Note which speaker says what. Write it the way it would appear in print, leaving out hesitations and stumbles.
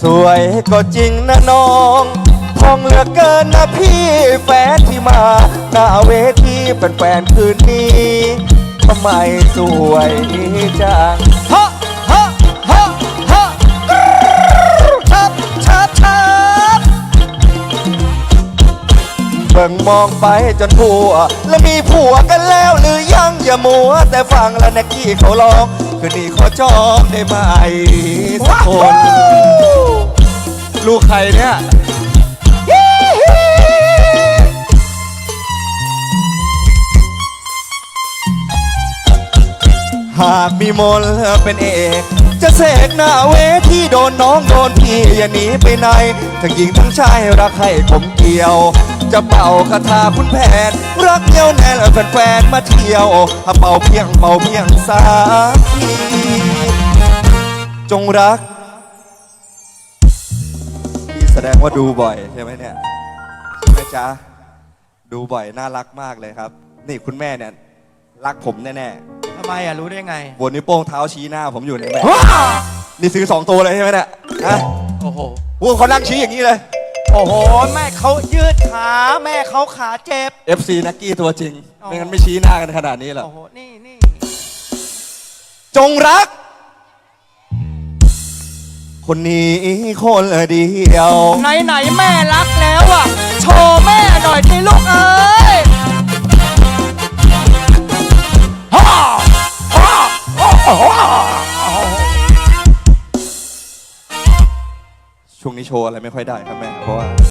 Speaker 1: วยก็จริงนะน้องทองเหลือเกินนะพี่แฟนที่มาหน้าเวทีแฟนๆคืนนี้ทำไมสวยจังฮะฮะฮะฮะชับชับชับเบิ่งมองไปจนผัวแล้วมีผัวกันแล้วหรือยังอย่ามัวแต่ฟังแล้วนะกี้เขาร้องคืนนี้ขอจองได้ไหมสักคนลูกใครเนี่ยหากมีมนเป็นเอกจะเสกหน้าเวทีโดนน้องโดนพี่อย่าหนีไปไหนทั้งหญิงทั้งชายรักให้ผมเกี่ยวจะเป่าคาถาคุณแผนรักเดียวแน่และแฟนๆมาเที่ยวเป่าเพียงสักทีจงรักพี่แสดงว่าดูบ่อยใช่ไหมเนี่ยใช่ไหมจ๊ะดูบ่อยน่ารักมากเลยครับนี่คุณแม่เนี่ยรักผมแน่ๆ
Speaker 2: ทำไมอ่ะรู้ได้ไง
Speaker 1: บนนิ้วโป้งเท้าชี้หน้าผมอยู่ในแม่นี่ซื้อ2 ตัวเลยใช่ไหมเนี่ยฮะ
Speaker 2: โอ้โห
Speaker 1: พวกเขานั่งชี้อย่างนี้เลย
Speaker 2: โอ้โหแม่เขายืดขาแม่เขาขาเจ็บ
Speaker 1: FC นักกี้ตัวจริงไม่งั้นไม่ชี้หน้ากันขนาดนี้หรอก
Speaker 2: โอ้โหนี่
Speaker 1: จงรักคนนี้คนเดียว
Speaker 2: ไหนแม่รักแล้วอ่ะโชว์แม่หน่อยสิลูกเอ้ย
Speaker 1: ช่วงนี้โชว์อะไรไม่ค่อยได้ครับแม่เพราะว่า